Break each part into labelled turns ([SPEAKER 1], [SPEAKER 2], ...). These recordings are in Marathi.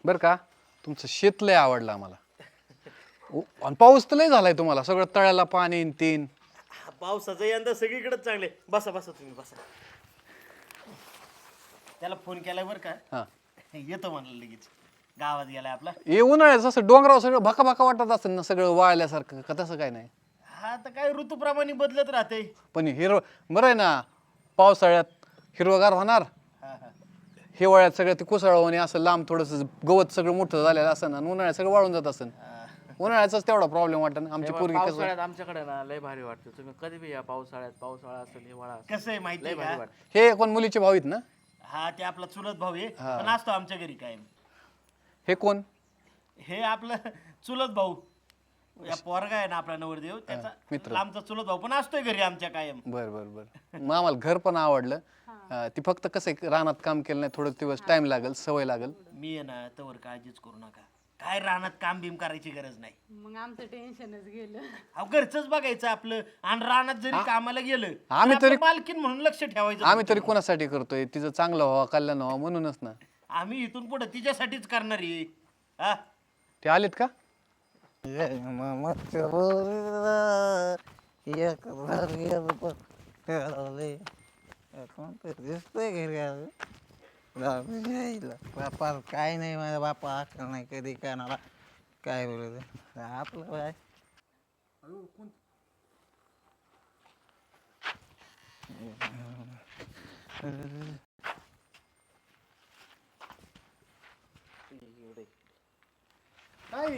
[SPEAKER 1] बरं का तुमचं शेत लय आवडलं आम्हाला आणि पाऊस तर लय झालाय तुम्हाला सगळं तळ्याला पाणी न तीन
[SPEAKER 2] पावसाचं यंदा सगळीकडेच चांगले. बसा बसा तुम्ही बसा. त्याला फोन केलाय बरं का,
[SPEAKER 1] हा
[SPEAKER 2] येतो म्हणलं लगेच. गावात गेलाय आपला.
[SPEAKER 1] हे उन्हाळ्याचं असं डोंगरावर सगळं भका भका वाटत असेल ना सगळं वाळल्यासारखं का तसं काय नाही
[SPEAKER 2] हा तर काय ऋतूप्रमाणे बदलत राहते.
[SPEAKER 1] पण हिरव बरं आहे ना पावसाळ्यात हिरवगार होणार
[SPEAKER 2] हा हा.
[SPEAKER 1] हिवाळ्यात सगळं ते कुसळवणे असं लांब थोडंसं गवत सगळं मोठं झालेलं असं ना उन्हाळ्यात सगळं वाळून जात असेल उन्हाळ्याचाच तेवढा प्रॉब्लेम वाटत ना आमची पोरगी कसं
[SPEAKER 3] पावसाळ्यात आमच्याकडे ना लय भारी वाटतं. तुम्ही कधी बी या पावसाळ्यात, पावसाळा असेल हिवाळा असेल,
[SPEAKER 2] कसं आहे माहिती
[SPEAKER 3] लय
[SPEAKER 2] आहे
[SPEAKER 3] भारी
[SPEAKER 2] का?
[SPEAKER 3] वाटतं.
[SPEAKER 1] हे कोण मुलीचे भाऊ आहेत ना
[SPEAKER 2] हा ते आपला चुलत भाऊ आहे, पण असतो आमच्या घरी कायम.
[SPEAKER 1] हे कोण
[SPEAKER 2] हे आपलं चुलत भाऊ, या पोरगा आहे ना आपला नवरदेव, त्याचा आमचा चुलत भाऊ पण असतोय घरी आमच्या कायम.
[SPEAKER 1] बर बर बर मग आम्हाला घर पण आवडलं ती फक्त कसं आहे, रानात काम केलं नाही थोडं दिवस टाइम लागेल सवय लागेल
[SPEAKER 2] मी आहे ना तवर काळजीच करू नका. काय रानात काम बिम करायची गरज नाही.
[SPEAKER 4] मग आमचं टेन्शनच गेलं.
[SPEAKER 2] अहो घरचंच बघायचं आपलं, आणि रानात जरी कामाला गेलं
[SPEAKER 1] आम्ही
[SPEAKER 2] तर आपलं मालकीन म्हणून लक्ष ठेवायचं.
[SPEAKER 1] आम्ही तरी कोणासाठी करतोय तिचं चांगलं व्हावं कल्याण व्हावं म्हणूनच ना
[SPEAKER 2] आम्ही इथून पुढे तिच्यासाठीच करणार आहे. हा
[SPEAKER 1] ते आलेत का
[SPEAKER 5] दिसतोय घरी बापा काय नाही माझा बापा अक्कल नाही कधी कानाला काय बोलत आपलं काय
[SPEAKER 1] काय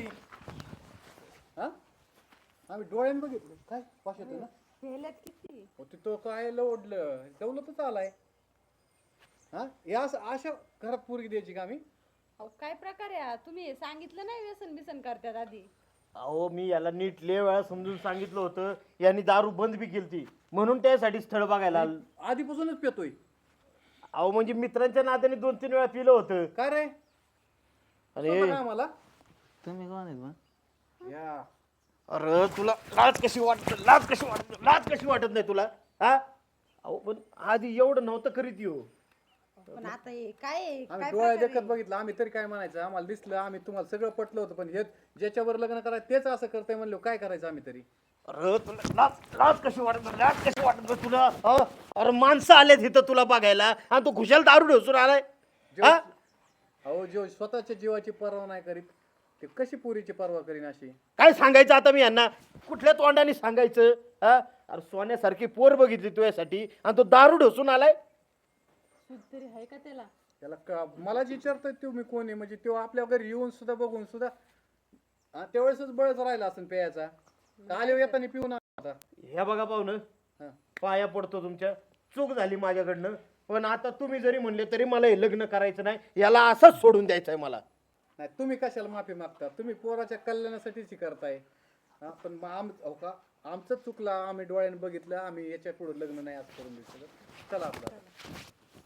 [SPEAKER 1] आम्ही डोळ्यानं बघितलं काय पाश येतो ना
[SPEAKER 4] गेल्यात किती?
[SPEAKER 1] तिथं काय लवडलं दौलतच आलाय हा या अशा घरात पोरगी द्यायची का आम्ही
[SPEAKER 4] अहो काय प्रकार आहे हा? तुम्ही सांगितलं नाही व्यसन बिसन करतात आधी.
[SPEAKER 2] अहो मी याला नीट लय वेळा समजून सांगितलं होतं, यांनी दारू बंद बी केलती म्हणून त्यासाठी स्थळ बघायला आलो.
[SPEAKER 1] आधीपासूनच पितोय
[SPEAKER 2] अहो म्हणजे मित्रांच्या नात्याने 2-3 वेळा पिलं होतं.
[SPEAKER 1] काय रे
[SPEAKER 2] अरे
[SPEAKER 1] स्वतः काय आम्हाला
[SPEAKER 5] तुम्ही कोण आहेत मग
[SPEAKER 1] या
[SPEAKER 2] अरे तुला लाज कशी वाटत, लाज कशी वाटत नाही तुला? हा अहो पण आधी एवढं नव्हतं करीत येऊ.
[SPEAKER 4] पण आता हे काय आहे?
[SPEAKER 1] आम्ही
[SPEAKER 4] काय
[SPEAKER 1] डोळ्या
[SPEAKER 4] प्रकार
[SPEAKER 1] देखत बघितलं आम्ही तरी काय म्हणायचं आम्हाला दिसलं आम्ही तुम्हाला सगळं पटलं होतं पण हे ज्याच्यावर लग्न करायचं तेच असं करतंय म्हणलं काय करायचं आम्ही तरी
[SPEAKER 2] अरे तुला लाज कशी वाटत, लाज कशी वाटत तुला? अरे माणसं आलेत इथं तुला बघायला आणि तू खुशाल दारू ढोसून आलाय. हा?
[SPEAKER 1] अहो जो स्वतःच्या जीवाची पर्वा नाही करीत ते कशी पोरीची पर्वा करीन अशी
[SPEAKER 2] काय सांगायचं आता मी यांना? कुठल्या तोंडाने सांगायचं? हा? अरे सोन्यासारखी पोर बघितली तुझ्यासाठी आणि तो दारू ढोसून आलाय.
[SPEAKER 4] सूद तरी आहे का त्याला?
[SPEAKER 1] त्याला मला विचारतोय तुम्ही कोण आहे म्हणजे तो आपल्या घरी येऊन सुद्धा बघून सुद्धा त्यावेळेसच बळच राहिला असेल प्यायचा आले येताना पिऊन आता
[SPEAKER 2] हे बघा पाहुणं,
[SPEAKER 1] हा.
[SPEAKER 2] पाया पडतो तुमच्या, चूक झाली माझ्याकडनं. पण आता तुम्ही जरी म्हणले तरी मला हे लग्न करायचं नाही, याला असंच सोडून द्यायचंय मला.
[SPEAKER 1] नाही तुम्ही कशाला माफी मागता तुम्ही पोराच्या कल्याणासाठीच हे करताय हा, पण हो का आमचं चुकलं आम्ही डोळ्याने बघितलं आम्ही याच्या पुढे लग्न नाही असं करून दिलं चला आपलं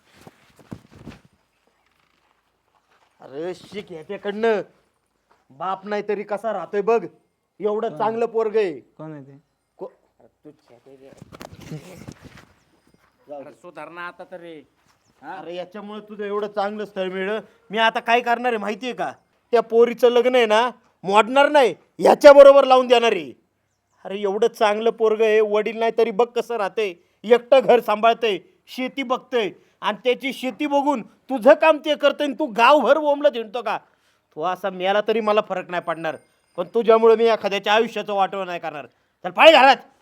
[SPEAKER 2] अरे शिक ह्याच्याकडनं, बाप नाही तरी कसा राहतोय बघ. एवढं चांगलं पोरग आहे.
[SPEAKER 5] कोण आहे ते
[SPEAKER 3] अरे सुधारणा आता तरी.
[SPEAKER 2] अरे याच्यामुळे तुझं एवढं चांगलं स्थळ मिळलं. मी आता काय करणार आहे माहितीये का? त्या पोरीचं लग्न आहे ना मोडणार नाही, ह्याच्या बरोबर लावून देणार आहे. अरे एवढं चांगलं पोरग आहे, वडील नाही तरी बघ कसं राहतंय, एकटं घर सांभाळतंय, शेती बघतंय आणि त्याची शेती बघून तुझं काम ते करतंय आणि तू गावभर ओमलं हिंडतो का? तो असा मेला तरी मला फरक नाही पडणार, पण तुझ्यामुळे मी एखाद्याच्या आयुष्याचं वाटोळं नाही करणार. चल पाय घरात.